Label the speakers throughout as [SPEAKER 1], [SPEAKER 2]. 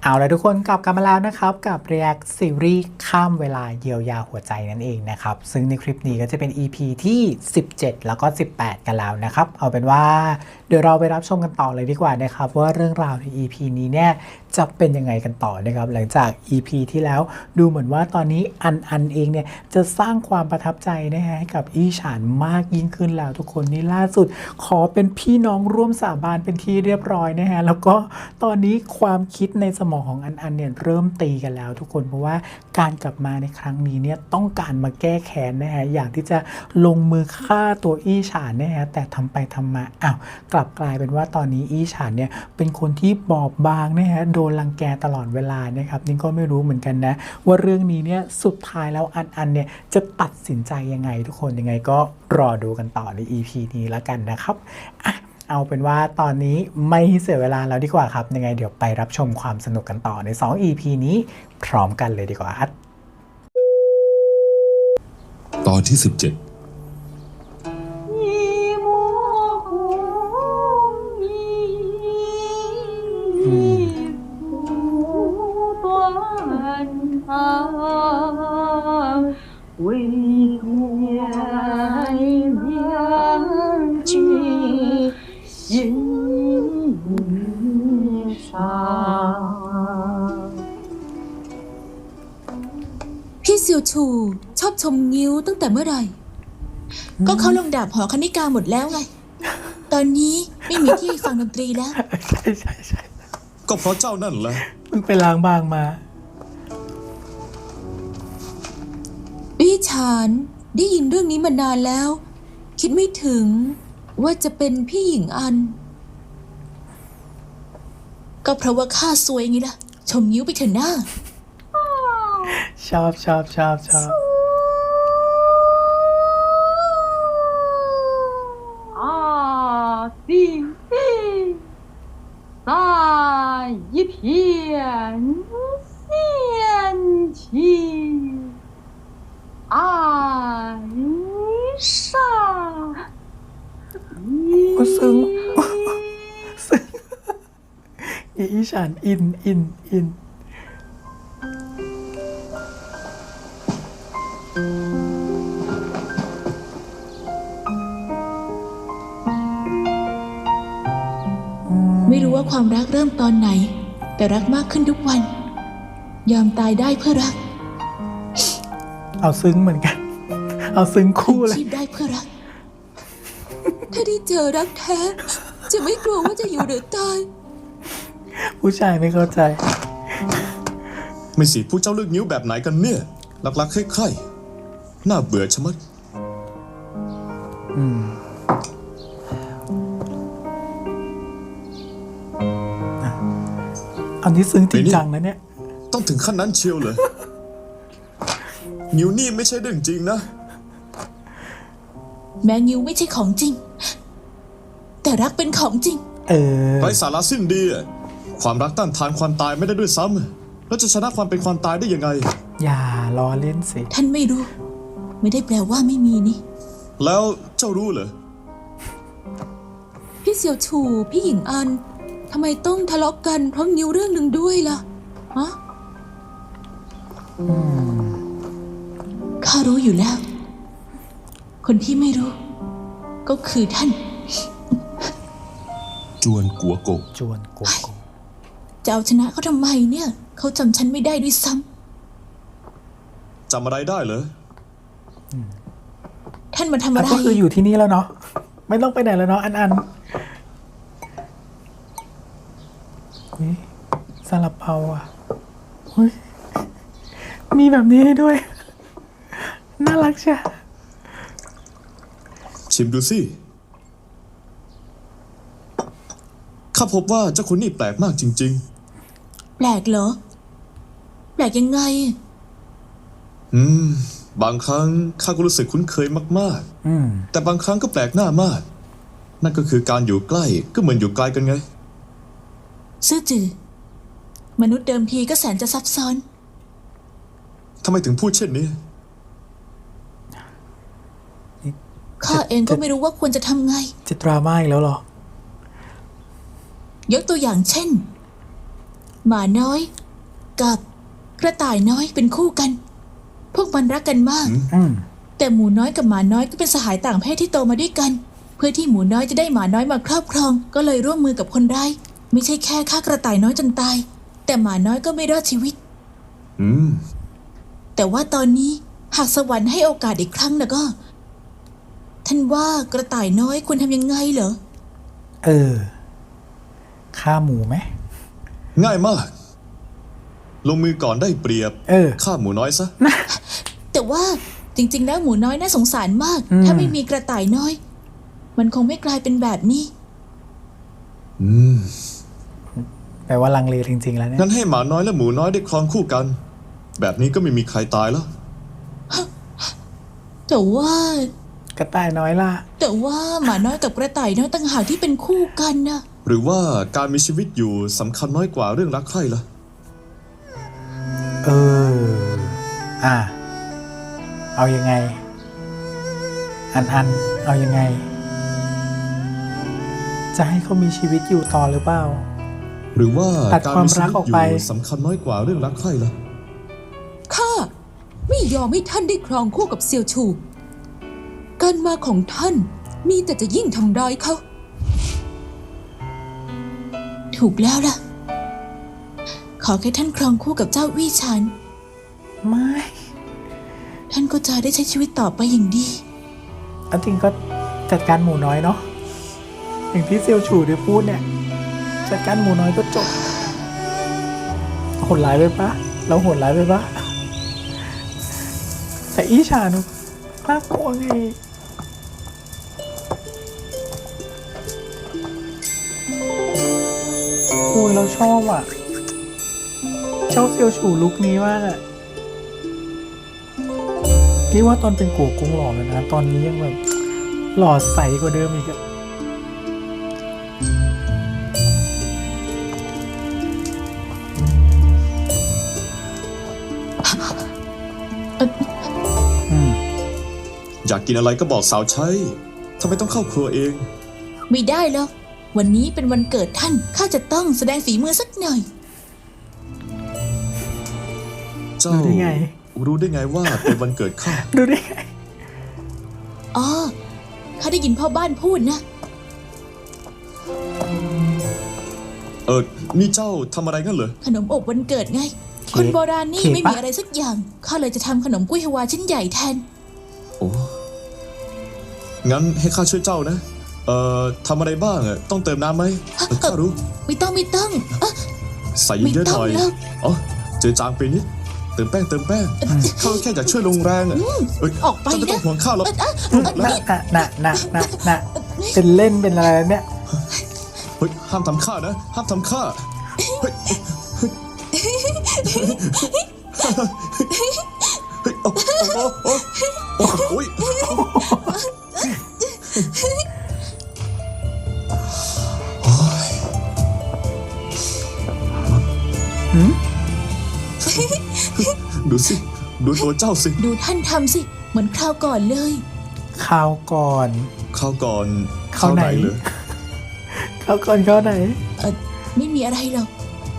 [SPEAKER 1] เอาละทุกคนกลับกันมาแล้วนะครับกับ React ซีรีส์ข้ามเวลาเยียวยาหัวใจนั่นเองนะครับซึ่งในคลิปนี้ก็จะเป็น EP ที่17แล้วก็18กันแล้วนะครับเอาเป็นว่าเดี๋ยวเราไปรับชมกันต่อเลยดีกว่านะครับว่าเรื่องราวใน EP นี้เนี่ยจะเป็นยังไงกันต่อนะครับหลังจาก EP ที่แล้วดูเหมือนว่าตอนนี้อันเองเนี่ยจะสร้างความประทับใจนะฮะให้กับอีฉานมากยิ่งขึ้นแล้วทุกคนนี่ล่าสุดขอเป็นพี่น้องร่วมสาบานเป็นที่เรียบร้อยนะฮะแล้วก็ตอนนี้ความคิดในสมองของอันเนี่ยเริ่มตีกันแล้วทุกคนเพราะว่าการกลับมาในครั้งนี้เนี่ยต้องการมาแก้แค้นนะฮะอยากที่จะลงมือฆ่าตัวอีฉานนะฮะแต่ทำไปทำมากลับกลายเป็นว่าตอนนี้อีฉานเนี่ยเป็นคนที่บอบบางนะฮะโดนรังแกตลอดเวลานะครับนี่ก็ไม่รู้เหมือนกันนะว่าเรื่องนี้เนี่ยสุดท้ายแล้วอันเนี่ยจะตัดสินใจยังไงทุกคนยังไงก็รอดูกันต่อใน EP นี้แล้วกันนะครับเอาเป็นว่าตอนนี้ไม่เสียเวลาแล้วดีกว่าครับยังไงเดี๋ยวไปรับชมความสนุกกันต่อใน2 EP นี้พร้อมกันเลยดีกว่าครับ
[SPEAKER 2] ตอนที่17
[SPEAKER 3] 为念两句心上。
[SPEAKER 4] พี่ซิวชูชอบชมงิ้วตั้งแต่เมื่อไหร่ ก็เขาลงดาบหอคณิกาหมดแล้วไง ตอนนี้ไม่มีที่ฟังดนตรีแล้ว
[SPEAKER 1] ใช่
[SPEAKER 2] ก็เพราะเจ้านั่นแหละ
[SPEAKER 1] มึงไปล้างบางมา
[SPEAKER 4] พี่ฉานได้ยินเรื่องนี้มานานแล้ว คิดไม่ถึงว่าจะเป็นพี่หญิงอัน ก็เพราะว่าข้าซวยไงล่ะ ชมงิ้วไปเถอะหน้า
[SPEAKER 1] ชอบ
[SPEAKER 3] 地在一片仙气爱上。
[SPEAKER 1] ซึ้งอีฉานอิน
[SPEAKER 4] ไม่รู้ว่าความรักเริ่มตอนไหน แต่รักมากขึ้นทุกวัน ยอมตายได้เพื่อรัก
[SPEAKER 1] เอาซึ้งเหมือนกันเอาซึ้งคู่เลย
[SPEAKER 4] ชีพได้เพื่อรัก ถ้าได้เจอรักแท้ จะไม่กลัวว่าจะอยู่หรือตาย
[SPEAKER 1] ผู้ชายไม่เข้าใจ
[SPEAKER 2] ไม่สิผู้เจ้าเลือกนิ้วแบบไหนกันเนี่ยลักๆใคร่ๆน่าเบื่อชะมัด
[SPEAKER 1] อันนี้ซึ้งจริงจังนะเนี่ย
[SPEAKER 2] ต้องถึงขั้นนั้นเชียวเหรอ นิ้วนี่ไม่ใช่เรื่องจริงนะ
[SPEAKER 4] แม้งิ้วไม่ใช่ของจริง แต่รักเป็นของจริง
[SPEAKER 2] ไร้สาระสิ้นดีอะความรักต้านทานความตายไม่ได้ด้วยซ้ำแล้วจะชนะความเป็นความตายได้ยังไง
[SPEAKER 1] อย่าล้อเล่นสิ
[SPEAKER 4] ท่านไม่รู้ ไม่ได้แปลว่าไม่มีนี่
[SPEAKER 2] แล้วเจ้ารู้เหรอ
[SPEAKER 4] พี่เสี่ยวชูพี่หญิงอันทำไมต้องทะเลาะกันเพราะงิ้วเรื่องหนึ่งด้วยล่ะฮะข้ารู้อยู่แล้ว คนที่ไม่รู้ ก็คือท่าน
[SPEAKER 2] จวนกัวโกะ
[SPEAKER 4] จะเอาชนะเขาทำไมเนี่ยเขาจำฉันไม่ได้ด้วยซ้
[SPEAKER 2] จำอะไรได้เหรอ
[SPEAKER 4] ท่านมาทำอะไร
[SPEAKER 1] ก็คืออยู่ที่นี่แล้วเนาะไม่ต้องไปไหนแล้วเนาะอันซาลาเปาอ่ะมีแบบนี้ให้ด้วยน่ารักใช่
[SPEAKER 2] ชิมดูสิข้าพบว่าเจ้าคนนี้แปลกมากจริง
[SPEAKER 4] ๆแปลกเหรอแปลกยังไง
[SPEAKER 2] บางครั้งข้าก็รู้สึกคุ้นเคยมากๆแต่บางครั้งก็แปลกหน้ามากนั่นก็คือการอยู่ใกล้ก็เหมือนอยู่ไกลกันไง
[SPEAKER 4] ซื่อจือมนุษย์เดิมทีก็แสนจะซับซ้อน
[SPEAKER 2] ทำไมถึงพูดเช่นนี้
[SPEAKER 4] ข้าเองก็ไม่รู้ว่าควรจะทำไง
[SPEAKER 1] จะดราม่าอีกแล้วเหรอ
[SPEAKER 4] ยกตัวอย่างเช่นหมาน้อยกับกระต่ายน้อยเป็นคู่กัน พวกมันรักกันมาก
[SPEAKER 1] อืม
[SPEAKER 4] แต่หมูน้อยกับหมาน้อยก็เป็นสหายต่างเพศที่โตมาด้วยกัน เพื่อที่หมูน้อยจะได้หมาน้อยมาครอบครอง ก็เลยร่วมมือกับคนร้ายไม่ใช่แค่ฆ่ากระต่ายน้อยจนตาย แต่หมาน้อยก็ไม่รอดชีวิต
[SPEAKER 2] อืม
[SPEAKER 4] แต่ว่าตอนนี้หากสวรรค์ให้โอกาสอีกครั้งนะก็ ท่านว่ากระต่ายน้อยควรทำยังไงเหรอ
[SPEAKER 1] ฆ่าหมูไหม
[SPEAKER 2] ง่ายมาก ลงมือก่อนได้เปรียบฆ่าหมูน้อยซะ
[SPEAKER 4] แต่ว่าจริงๆแล้วหมูน้อยน่าสงสารมาก ถ้าไม่มีกระต่ายน้อย มันคงไม่กลายเป็นแบบนี้
[SPEAKER 2] อืม
[SPEAKER 1] แปลว่าลังเลจริงๆแล้วเนี่ย
[SPEAKER 2] งั้นให้หมาน้อยและหมูน้อยได้ครองคู่กัน แบบนี้ก็ไม่มีใครตายแล้ว
[SPEAKER 4] แต่ว่า
[SPEAKER 1] กระต่ายน้อยล่ะ
[SPEAKER 4] แต่ว่าหมาน้อยกับกระต่ายน้อยต่างหากที่เป็นคู่กันนะ
[SPEAKER 2] หรือว่าการมีชีวิตอยู่สำคัญน้อยกว่าเรื่องรักใคร่ล่ะ
[SPEAKER 1] เอายังไง อันเอายังไง จะให้เขามีชีวิตอยู่ต่อหรือเปล่า
[SPEAKER 2] หรือว่า
[SPEAKER 1] ตัด
[SPEAKER 2] การ
[SPEAKER 1] ความ
[SPEAKER 2] มีชี
[SPEAKER 1] รัก
[SPEAKER 2] วิต
[SPEAKER 1] ออก
[SPEAKER 2] อ
[SPEAKER 1] ไป
[SPEAKER 2] ยู่สำคัญน้อยกว่าเรื่องรักใคร่ล่ะ
[SPEAKER 5] ข้าไม่ยอมให้ท่านได้ครองคู่กับเซียวชู การมาของท่านมีแต่จะยิ่งทำร้ายเขา
[SPEAKER 4] ถูกแล้วล่ะ ขอแค่ท่านครองคู่กับเจ้าวี่ฉัน
[SPEAKER 1] ไม่
[SPEAKER 4] ท่านก็จะได้ใช้ชีวิตต่อไปอย่างดี
[SPEAKER 1] เอาจริงก็จัดการหมูน้อยเนาะ อย่างที่เซียวฉูได้พูดเนี่ย จัดการหมูน้อยก็จบโหดร้ายไปปะเราโหดร้ายไปปะแต่อีชานุน่ากลัวไงโอ้ยเราชอบอ่ะชอบเซียวฉูลุคนี้มากอ่ะนี่ว่าตอนเป็นกัวกงหล่อแล้วนะ ตอนนี้ยังแบบหล่อใสกว่าเดิมอีกอะ
[SPEAKER 2] อยากกินอะไรก็บอกสาวใช้ทำไมต้องเข้าครัวเอง
[SPEAKER 4] ไม่ได้แล้ว วันนี้เป็นวันเกิดท่าน ข้าจะต้องแสดงฝีมือสักหน่อย
[SPEAKER 2] เจ้า
[SPEAKER 1] รู้ได้ไง
[SPEAKER 2] รู้ได้ไงว่าเป็นวันเกิดข้า
[SPEAKER 1] ดูได้ไง
[SPEAKER 4] อ๋อ ข้าได้ยินพ่อบ้านพูดนะ
[SPEAKER 2] นี่เจ้าทำอะไรงั้นเหรอ
[SPEAKER 4] ขนมอบวันเกิดไง
[SPEAKER 1] เค้ก
[SPEAKER 4] คนโบราณนี่
[SPEAKER 1] เค้ก
[SPEAKER 4] ไม่มี
[SPEAKER 1] ปะ
[SPEAKER 4] อะไรสักอย่าง ข้าเลยจะทำขนมกุ้ยฮวาชิ้นใหญ่แทน
[SPEAKER 2] โอ้ งั้นให้ข้าช่วยเจ้านะ ทำอะไรบ้างอะต้องเติมน้ำไหมข้ารู้
[SPEAKER 4] ไม่ต้องเอ๊ะ
[SPEAKER 2] ใส่เยอะๆหน่อย
[SPEAKER 4] ไม่ต้องแล้ว
[SPEAKER 2] อ๋อเจอจางไปนิด เติมแป้งข้าแค่อยากช่วยลงแรงอะเอ้ย
[SPEAKER 4] ออกไป
[SPEAKER 2] เจ้าไม่ต้อ
[SPEAKER 4] นะ
[SPEAKER 2] งห่วงข้าหรอก
[SPEAKER 1] น่ะเป็นเล่นเป็นอะไรแล้วเนี่ย
[SPEAKER 2] เฮ้ยห้ามทำข้านะ ห้ามทำข้าเฮ้ยเฮ้ยโอ้โอ้ย ดูสิ ดูตัวเจ้าสิ
[SPEAKER 4] ดูท่านทำสิ เหมือนคราวก่อนเลย
[SPEAKER 1] คราวก่อน
[SPEAKER 2] ข้าวก่อน
[SPEAKER 1] ข้าวไหน
[SPEAKER 2] เลย
[SPEAKER 1] คราวก่อนข้าวไหน
[SPEAKER 4] ไม่มีอะไรหรอก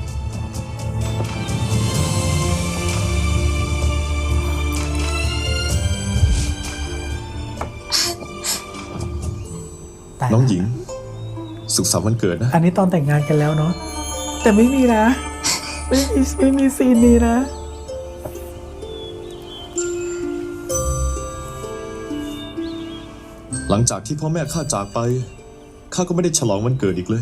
[SPEAKER 2] น้องหญิง สุขสันต์วันเกิดนะ
[SPEAKER 1] อันนี้ตอนแต่งงานกันแล้วเนาะ แต่ไม่มีนะ ไม่มีซีนนี้นะ
[SPEAKER 2] หลังจากที่พ่อแม่ข้าจากไปข้าก็ไม่ได้ฉลองวันเกิดอีกเลย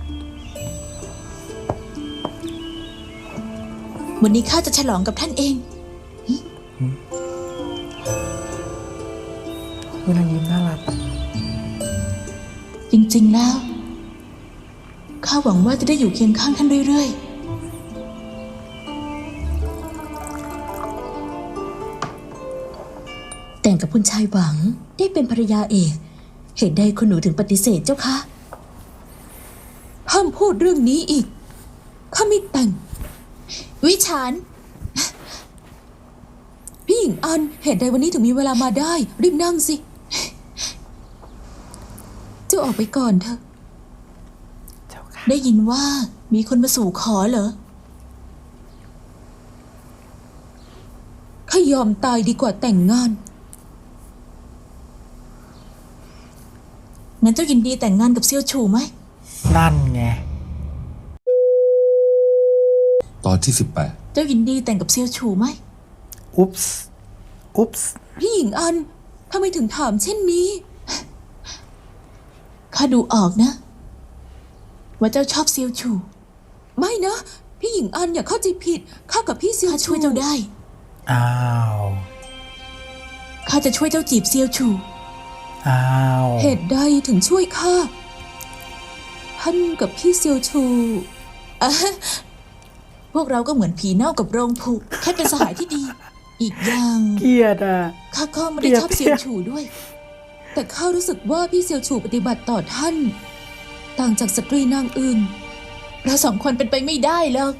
[SPEAKER 4] วันนี้ข้าจะฉลองกับท่านเอง
[SPEAKER 1] เวลายิ้มน่ารัก
[SPEAKER 4] จริงๆแล้ว ข้าหวังว่าจะได้อยู่เคียงข้างท่านเรื่อยๆ
[SPEAKER 6] แต่งกับคุณชายหวังได้เป็นภรรยาเอกเหตุใดคุณหนูถึงปฏิเสธเจ้าคะ
[SPEAKER 5] ห้ามพูดเรื่องนี้อีก ข้าไม่แต่ง
[SPEAKER 4] วิชาน
[SPEAKER 5] พี่หญิงอัน เหตุใดวันนี้ถึงมีเวลามาได้ รีบนั่งสิ เจ้าออกไปก่อนเถอะ
[SPEAKER 4] ได้ยินว่ามีคนมาสู่ขอเหรอ
[SPEAKER 5] ข้ายอมตายดีกว่าแต่งงาน
[SPEAKER 4] งั้นเจ้ายินดีแต่งงานกับเซียวชูไหม
[SPEAKER 1] นั่นไง
[SPEAKER 2] ตอนที่
[SPEAKER 4] เจ้ายินดีแต่งกับเซียวชูไหม
[SPEAKER 1] อุ๊ปส์อุ๊ปส์
[SPEAKER 5] พี่หญิงอันทำไมถึงถามเช่นนี้
[SPEAKER 4] ข้าดูออกนะ ว่าเจ้าชอบเซียวชู
[SPEAKER 5] ไม่นะ พี่หญิงอันอย่าเข้าใจผิดข้ากับพี่เซียว
[SPEAKER 4] ข้า
[SPEAKER 5] ชู
[SPEAKER 4] ช่วยเจ้าได้
[SPEAKER 1] อ้าว
[SPEAKER 4] ข้าจะช่วยเจ้าจีบเซียวชู
[SPEAKER 1] อ้าว
[SPEAKER 5] เหตุใดถึงช่วยข้าท่านกับพี่เซียวชู
[SPEAKER 4] พวกเราก็เหมือนผีเน่ากับโรงผุแค่เป็นสหายที่ดี อีกอย่าง
[SPEAKER 1] เกลียดอ่ะ
[SPEAKER 4] ข้าก็ไม่ได้ชอบเซียวชูด้วย
[SPEAKER 5] แต่ข้ารู้สึกว่าพี่เซียวชูปฏิบัติต่อท่าน ต่างจากสตรีนางอื่น
[SPEAKER 4] เราสองคนเป็นไปไม่ได้หรอก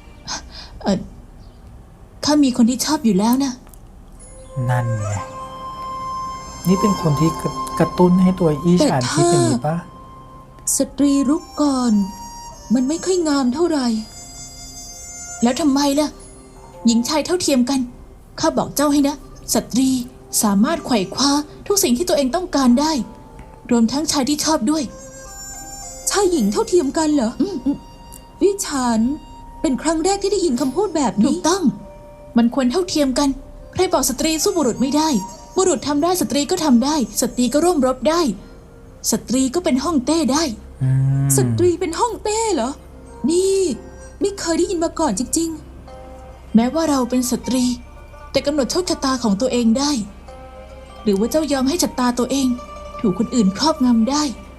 [SPEAKER 4] ข้ามีคนที่ชอบอยู่แล้วนะ
[SPEAKER 1] นั่นไง นี่เป็นคนที่กระตุ้นให้ตัวอี้ฉานคิดอย่างนี้ปะ
[SPEAKER 5] สตรีรุกก่อน มันไม่ค่อยงามเท่าไหร่
[SPEAKER 4] แล้วทำไมล่ะ หญิงชายเท่าเทียมกัน ข้าบอกเจ้าให้นะ สตรีสามารถไขว่คว้าทุกสิ่งที่ตัวเองต้องการได้ รวมทั้งชายที่ชอบด้วย
[SPEAKER 5] ชายหญิงเท่าเทียมกันเหรอวิชานเป็นครั้งแรกที่ได้ยินคำพูดแบบ
[SPEAKER 4] ถู
[SPEAKER 5] นี้
[SPEAKER 4] กต้อง มันควรเท่าเทียมกัน ใครบอกสตรีสู้บุรุษไม่ได้ บุรุษทำได้สตรีก็ทำได้ สตรีก็ร่วมรบได้ สตรีก็เป็นฮ่องเต้ได้
[SPEAKER 1] อืม
[SPEAKER 5] สตรีเป็นห้องเต้เหรอ นี่ไม่เคยได้ยินมาก่อนจริง
[SPEAKER 4] แม้ว่าเราเป็นสตรี แต่กำหนดโชคชะตาของตัวเองได้ หรือว่าเจ้ายอมให้ชะตาตัวเอง ถูกคนอื่นครอบงำได้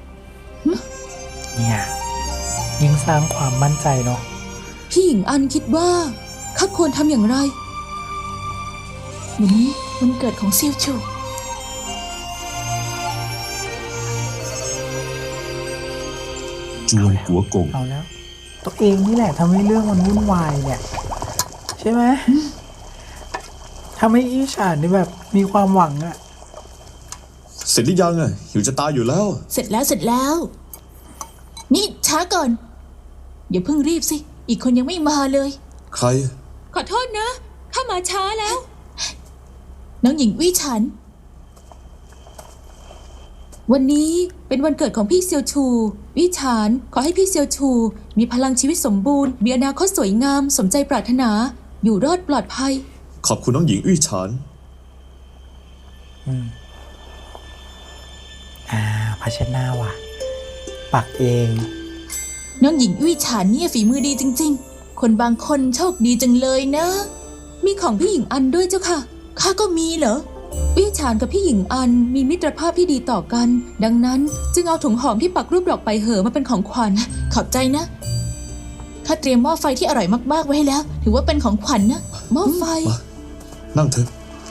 [SPEAKER 1] เนี่ยยิ่งสร้างความมั่นใจเนาะ
[SPEAKER 5] ๆ พี่หญิงอันคิดว่าข้าควรทำอย่างไร
[SPEAKER 4] วันนี้วันเกิดของเซียวชู
[SPEAKER 2] จวนหัวกง
[SPEAKER 1] เอาแล้ว ตัวเองนี่แหละทำให้เรื่องมันวุ่นวายเนี่ย ใช่ไหมทำให้อี้ฉานนี่แบบมีความหวังอะ
[SPEAKER 2] เสร็จหรือยังอ่ะหิวจะตายอยู่แล้ว
[SPEAKER 4] เสร็จแล้วเสร็จแล้ว นี่ช้าก่อน อย่าเพิ่งรีบสิ อีกคนยังไม่มาเลย
[SPEAKER 2] ใคร
[SPEAKER 5] ขอโทษนะ ข้ามาช้าแล้ว
[SPEAKER 4] น้องหญิงวี่ฉัน
[SPEAKER 5] วันนี้เป็นวันเกิดของพี่เซียวชู วิชานขอให้พี่เซียวชู มีพลังชีวิตสมบูรณ์ มีอนาคตสวยงาม สมใจปรารถนา อยู่รอดปลอดภัย
[SPEAKER 2] ขอบคุณน้องหญิงอื้อฉาน
[SPEAKER 1] ภาชนะว่ะ ปักเอง
[SPEAKER 4] น้องหญิงวี่ฉันเนี่ยฝีมือดีจริง ๆ คนบางคนโชคดีจังเลยนะ
[SPEAKER 5] มีของพี่หญิงอันด้วยเจ้าค่ะ
[SPEAKER 4] ข้าก็มีเหรอ
[SPEAKER 5] วิชานกับพี่หญิงอันมีมิตรภาพที่ดีต่อกัน ดังนั้นจึงเอาถุงหอมที่ปักรูปดอกไปเหอะมาเป็นของขวัญ
[SPEAKER 4] ขอบใจนะ ข้าเตรียมหม้อไฟที่อร่อยมากๆไว้ให้แล้ว ถือว่าเป็นของขวัญนะ
[SPEAKER 5] หม้อไฟ
[SPEAKER 2] มา นั่งเถอะ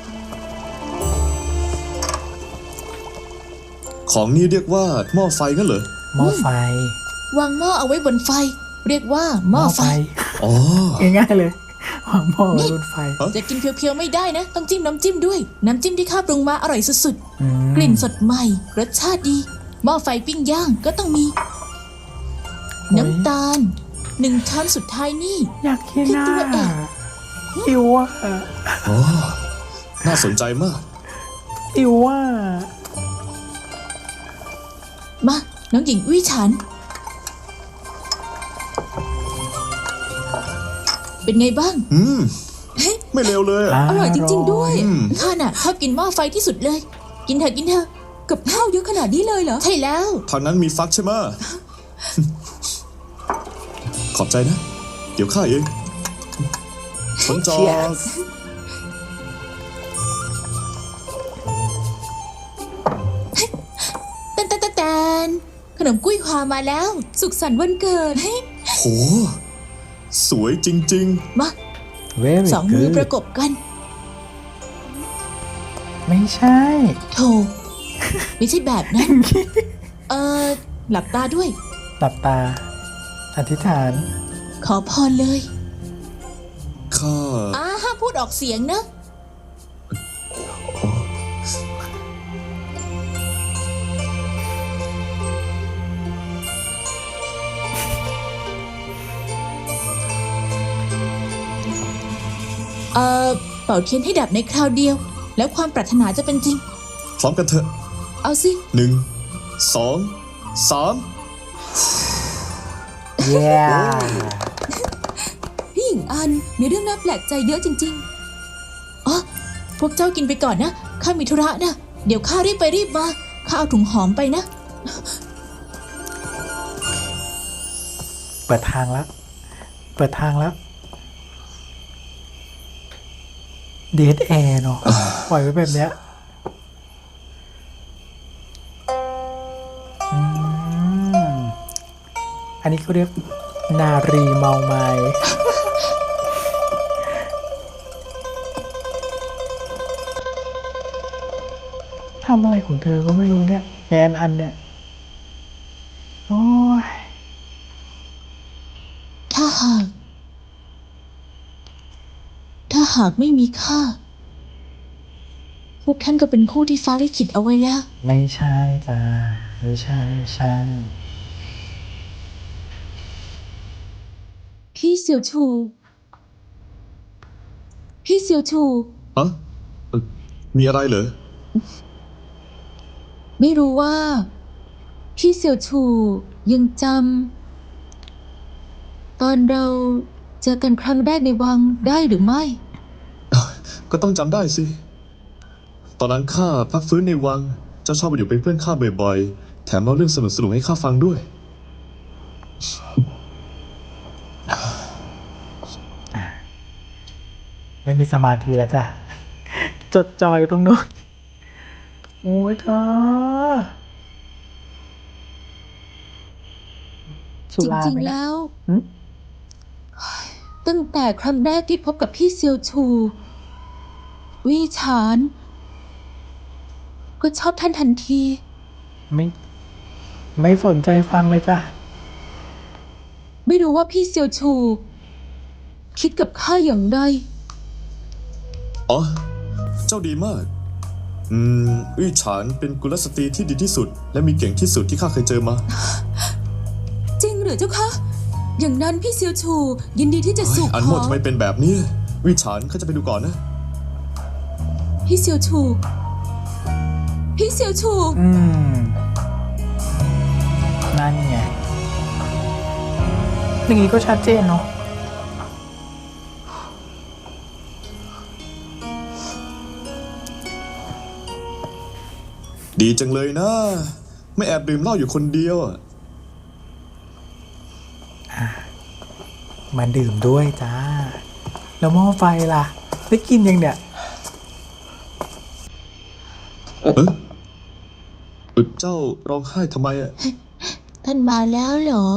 [SPEAKER 2] ของนี้เรียกว่าหม้อไฟงั้นเหรอ
[SPEAKER 1] หม้อไฟ
[SPEAKER 4] วางหม้อเอาไว้บนไฟ เรียกว่าหม้อไฟ
[SPEAKER 2] อ๋อ
[SPEAKER 1] ง่ายๆเลยวางหม้อไว้บนไฟ
[SPEAKER 4] จะกินเพียวๆไม่ได้นะ ต้องจิ้มน้ำจิ้มด้วย น้ำจิ้มที่ข้าปรุงมาอร่อยสุด
[SPEAKER 1] อืม
[SPEAKER 4] ๆ กลิ่นสดใหม่ รสชาติดี หม้อไฟปิ้งย่างก็ต้องมี น้ำตาล 1 ช้อนสุดท้ายนี่
[SPEAKER 1] อยากกิน
[SPEAKER 4] คิด
[SPEAKER 1] อ่ะ
[SPEAKER 4] ตัวเอง
[SPEAKER 1] หิวอ่ะ
[SPEAKER 2] อ๋อ น่าสนใจมาก
[SPEAKER 1] หิวอ่ะ
[SPEAKER 4] มา น้องหญิงวิฉัน เป็นไงบ้าง
[SPEAKER 2] ไม่เร็วเลยอะ
[SPEAKER 5] อร่อยจริงๆด้วย
[SPEAKER 4] ข้าน่ะชอบกินหม้อไฟที่สุดเลย กินเถอะกินเถอะ
[SPEAKER 5] กับข้าวเยอะขนาดนี้เลยเหรอ
[SPEAKER 4] ใช่แล้ว
[SPEAKER 2] ทางนั้นมีฟักใช่ไหม ขอบใจนะ เดี๋ยวข้าเองผลจอ
[SPEAKER 1] Cheers
[SPEAKER 4] แตนขนมกุ้ยความาแล้ว
[SPEAKER 5] สุขสันต์วันเกิด
[SPEAKER 2] โห สวยจริง
[SPEAKER 4] มา
[SPEAKER 1] very
[SPEAKER 4] 2 มือ
[SPEAKER 1] good
[SPEAKER 4] ประกบกัน
[SPEAKER 1] ไม่ใช่
[SPEAKER 4] โธ่ไม่ใช่แบบนั้น หลับตาด้วย
[SPEAKER 1] หลับตา อธิษฐาน
[SPEAKER 4] ขอพรเลย
[SPEAKER 2] ๆ ข้า
[SPEAKER 4] ห้ามพูดออกเสียงนะ ขเป่าเทียนให้ดับในคราวเดียว แล้วความปรารถนาจะเป็นจริง
[SPEAKER 2] พร้อมกันเถอะ
[SPEAKER 4] เอาสิ
[SPEAKER 2] 1 2 3
[SPEAKER 1] เย้
[SPEAKER 4] พี่หญิงอันมีเรื่องน่าแปลกใจเยอะจริงๆอ๋อพวกเจ้ากินไปก่อนนะข้ามีธุระนะเดี๋ยวข้ารีบไปรีบมาข้าเอาถุงหอมไปนะ
[SPEAKER 1] เปิดทางแล้ว เปิดทางแล้วเดทแอร์เนาะปล่อยไว้แบบเนี้ยอืมอันนี้เขาเรียกนารีเมาไม้ทำอะไรของเธอก็ไม่รู้เนี่ยแกนอันเนี่ย โอ้ย
[SPEAKER 4] ถ้าหากไม่มีข้าพวกท่านก็เป็นผู้ที่ฟ้าลิขิตเอาไว้แล้ว
[SPEAKER 1] ไม่ใช่จ้าไม่ใช่ไม่ใช่
[SPEAKER 5] พี่เสี่ยวชู พี่เสี่ยวชู
[SPEAKER 2] ฮะมีอะไรเหรอ
[SPEAKER 5] ไม่รู้ว่า พี่เสี่ยวชูยังจำตอนเราเจอกันครั้งแรกในวังได้หรือไม่
[SPEAKER 2] ก็ต้องจำได้สิ ตอนนั้นข้าพักฟื้นในวัง เจ้าชอบมาอยู่เป็นเพื่อนข้าบ่อยๆ แถมเล่าเรื่องสนุกๆให้ข้าฟังด้วย
[SPEAKER 1] ไม่มีสมาธิแล้วจ้ะ จดจ่ออยู่ตรงนู้นโอ้ยเธอสุ
[SPEAKER 5] จ
[SPEAKER 1] รา
[SPEAKER 5] ริง
[SPEAKER 1] ไหม
[SPEAKER 5] ๆ
[SPEAKER 1] นะ
[SPEAKER 5] แล้ว
[SPEAKER 1] หึ
[SPEAKER 5] ตั้งแต่ครั้งแรกที่พบกับพี่เซียวชู วี่ฉาน ก็ชอบท่านทันที
[SPEAKER 1] ไม่ ไม่สนใจฟังเลยจ้ะ
[SPEAKER 5] ไม่รู้ว่าพี่เซียวชู คิดกับข้าอย่างไร
[SPEAKER 2] อ๋อ เจ้าดีมาก อี้ฉานเป็นกุลสตรีที่ดีที่สุด และมีเก่งที่สุดที่ข้าเคยเจอมา
[SPEAKER 5] จริงหรือเจ้าคะ อย่างนั้นพี่เซียวชู ยินดีที่จะสู่
[SPEAKER 2] อัน
[SPEAKER 5] ข
[SPEAKER 2] โม
[SPEAKER 5] อ
[SPEAKER 2] ดทำไมเป็นแบบนี้วิฉานข้าจะไปดูก่อนนะ
[SPEAKER 5] พี่เซียวชู พี่เซียวชู
[SPEAKER 1] อืม นั่นไงอย่างนี้ก็ชัดเจนเนาะ
[SPEAKER 2] ดีจังเลยนะ ไม่แอบดื่มเหล้าอยู่คนเดียวอะ
[SPEAKER 1] มาดื่มด้วยจ้า แล้วหม้อไฟล่ะ ได้กินยังเนี่ย
[SPEAKER 2] เจ้าร้องไห้ทำไมอะ
[SPEAKER 4] ท่านมาแล้วเหรอ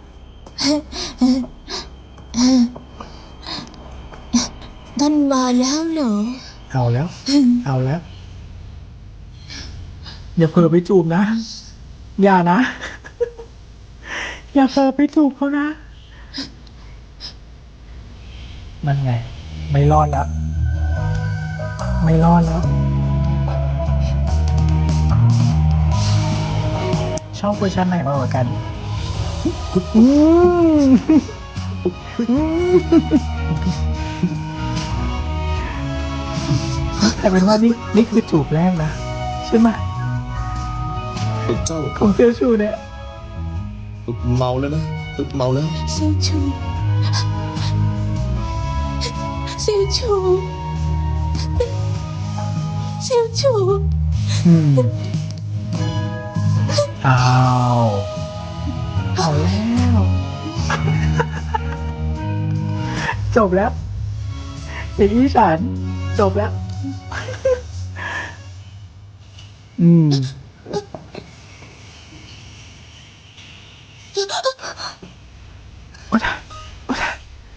[SPEAKER 4] ท่านมาแล้วเหรอ
[SPEAKER 1] เอาแล้ว เอาแล้ว อย่าเผลอไปจูบนะ อย่านะ อย่าเผลอไปจูบเขานะ นั่นไง ไม่รอดแล้ว ไม่รอดแล้ว ชอบเวอร์ชันไหนมากกว่ากันอืมแต่เป็นว่านี่คือจูบแรกนะ ใช่ไหม
[SPEAKER 2] เจ้า
[SPEAKER 1] ของเซียวชูเนี่ย
[SPEAKER 2] เมาแล้วนะ เมาแล้ว
[SPEAKER 4] เซียวชู เซียวชู เซียวชู
[SPEAKER 1] อืมอ้าว เอาแล้ว จบแล้วอย่างนี้ฉันจบแล้ว อืม โอ้ยโอ้ย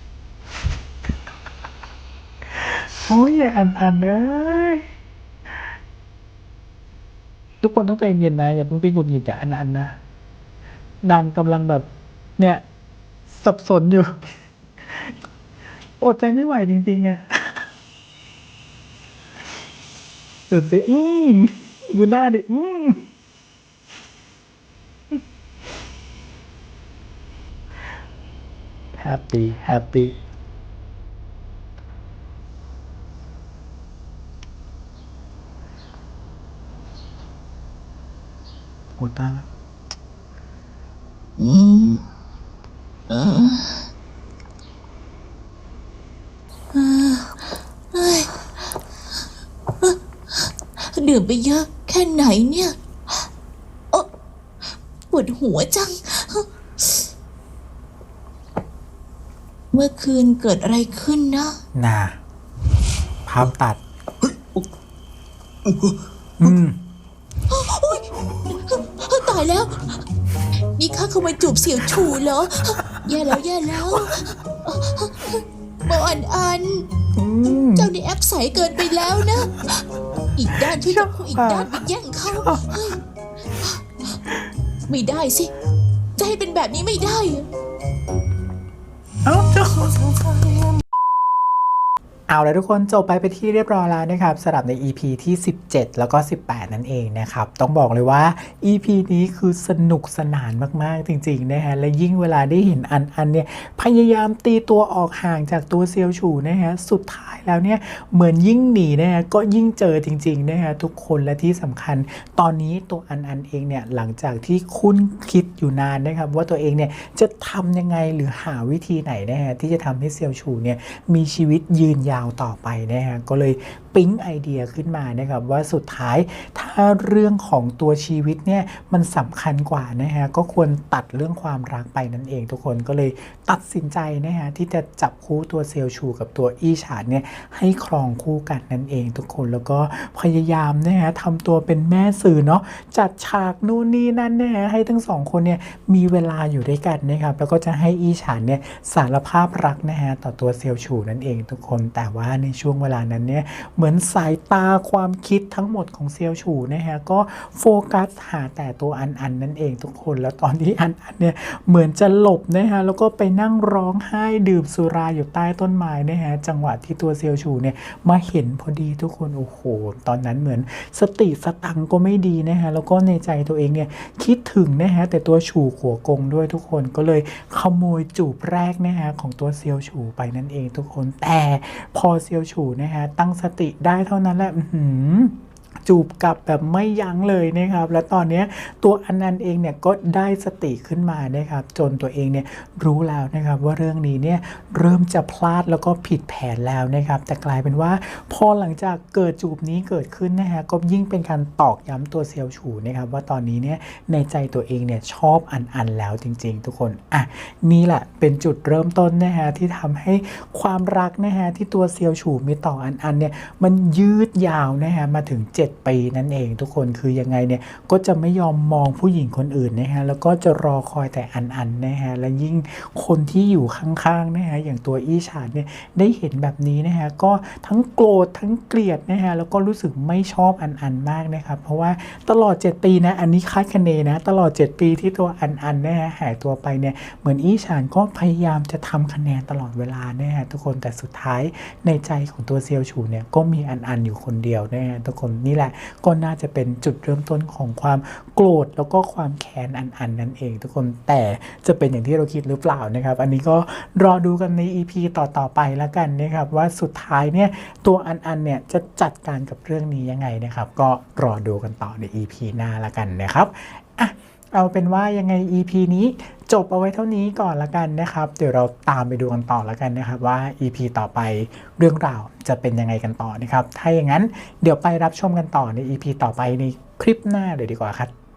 [SPEAKER 1] โอ้ยอย่าอันเลยทุกคนต้องใจเย็นนะอย่าเพิ่งไปหงุดหงิดกับอันนะนางกำลังแบบ เนี่ย สับสนอยู่ อดใจไม่ไหวจริงๆอะดูสิดูหน้าดิแฮปปี้หตาย
[SPEAKER 4] อืมเออเอ้ยดื่มไปเยอะแค่ไหนเนี่ยโอ๊ะปวดหัวจัง เมื่อคืนเกิดอะไรขึ้นนะ
[SPEAKER 1] น่ะภาพตัด อืม
[SPEAKER 4] ตายแล้ว นี่ข้าขโมยจูบเสี่ยวชูเหรอ แย่แล้วแย่แล้วบออัน
[SPEAKER 1] อืม
[SPEAKER 4] เจ้านี่แอปใสเกินไปแล้วนะ อีกด้านที่ต้องอีกด้านไปแย่งเขาเฮ้ยไม่ได้สิ จะให้เป็นแบบนี้ไม่ได้
[SPEAKER 1] เอาแล้วทุกคนจบไปที่เรียบร้อยแล้วนะครับสำหรับใน EP ที่ 17 แล้วก็ 18 นั่นเองนะครับต้องบอกเลยว่า EP นี้คือสนุกสนานมากๆจริงๆนะฮะและยิ่งเวลาได้เห็นอันเนี่ยพยายามตีตัวออกห่างจากตัวเซียวฉูนะฮะสุดท้ายแล้วเนี่ยเหมือนยิ่งหนีนะฮะก็ยิ่งเจอจริงๆนะฮะทุกคนและที่สำคัญตอนนี้ตัวอันเองเนี่ยหลังจากที่คุ้นคิดอยู่นานนะครับว่าตัวเองเนี่ยจะทำยังไงหรือหาวิธีไหนนะฮะที่จะทำให้เซียวฉูเนี่ยมีชีวิตยืนยาวต่อไปนะฮะก็เลยปิ๊งไอเดียขึ้นมานะครับว่าสุดท้ายถ้าเรื่องของตัวชีวิตเนี่ยมันสำคัญกว่านะฮะก็ควรตัดเรื่องความรักไปนั่นเองทุกคนก็เลยตัดสินใจนะฮะที่จะจับคู่ตัวเซียวชูกับตัวอี้ฉานเนี่ยให้ครองคู่กันนั่นเองทุกคนแล้วก็พยายามนะฮะทำตัวเป็นแม่สื่อเนาะจัดฉากนู่นนี่นั่นนะฮะให้ทั้งสองคนเนี่ยมีเวลาอยู่ด้วยกันนะครับแล้วก็จะให้อี้ฉานเนี่ยสารภาพรักนะฮะต่อตัวเซียวชูนั่นเองทุกคนแต่ว่าในช่วงเวลานั้นเนี่ยเหมือนสายตาความคิดทั้งหมดของเซียวฉูนะฮะก็โฟกัสหาแต่ตัวอันนั่นเองทุกคนแล้วตอนที่อันเนี่ยเหมือนจะหลบนะฮะแล้วก็ไปนั่งร้องไห้ดื่มสุราอยู่ใต้ต้นไม้นะฮะจังหวะที่ตัวเซียวฉูเนี่ยมาเห็นพอดีทุกคนโอ้โหตอนนั้นเหมือนสติสตังก็ไม่ดีนะฮะแล้วก็ในใจตัวเองเนี่ยคิดถึงนะฮะแต่ตัวฉูขัวกงด้วยทุกคนก็เลยขโมยจูบแรกนะฮะของตัวเซียวฉูไปนั่นเองทุกคนแต่พอเซียวฉูนะฮะตั้งสติได้เท่านั้นแหละจูบกลับแบบไม่ยั้งเลยนะครับและตอนนี้ตัวอันนันเองเนี่ยก็ได้สติขึ้นมานะครับจนตัวเองเนี่ยรู้แล้วนะครับว่าเรื่องนี้เนี่ยเริ่มจะพลาดแล้วก็ผิดแผนแล้วนะครับแต่กลายเป็นว่าพอหลังจากเกิดจูบนี้เกิดขึ้นนะฮะก็ยิ่งเป็นการตอกย้ำตัวเซียวฉูนะครับว่าตอนนี้เนี่ยในใจตัวเองเนี่ยชอบอันแล้วจริงๆทุกคนนี่แหละเป็นจุดเริ่มต้นนะฮะที่ทำให้ความรักนะฮะที่ตัวเซียวฉูมีต่ออันเนี่ยมันยืดยาวนะฮะมาถึง7 ปีนั่นเองทุกคนคือยังไงเนี่ยก็จะไม่ยอมมองผู้หญิงคนอื่นนะฮะแล้วก็จะรอคอยแต่อันนะฮะและยิ่งคนที่อยู่ข้างๆนะฮะอย่างตัวอี้ฉานเนี่ยได้เห็นแบบนี้นะฮะก็ทั้งโกรธทั้งเกลียดนะฮะแล้วก็รู้สึกไม่ชอบอันมากนะครับเพราะว่าตลอด7 ปีนะอันนี้คาดคะเนนะตลอด7 ปีที่ตัวอันนะฮะหายตัวไปเนี่ยเหมือนอี้ฉานก็พยายามจะทำคะแนนตลอดเวลานะฮะทุกคนแต่สุดท้ายในใจของตัวเซียวฉูเนี่ยก็มีอันอยู่คนเดียวนะฮะทุกคนนี่แหละก็น่าจะเป็นจุดเริ่มต้นของความโกรธแล้วก็ความแค้นอันนั่นเองทุกคนแต่จะเป็นอย่างที่เราคิดหรือเปล่านะครับอันนี้ก็รอดูกันใน EP ต่อไปแล้วกันนะครับว่าสุดท้ายเนี่ยตัวอันเนี่ยจะจัดการกับเรื่องนี้ยังไงนะครับก็รอดูกันต่อใน EP หน้าแล้วกันนะครับเอาเป็นว่ายังไง EP นี้จบเอาไว้เท่านี้ก่อนละกันนะครับเดี๋ยวเราตามไปดูกันต่อละกันนะครับว่า EP ต่อไปเรื่องราวจะเป็นยังไงกันต่อนะครับถ้าอย่างนั้นเดี๋ยวไปรับชมกันต่อใน EP ต่อไปในคลิปหน้าเลยดีกว่าครับ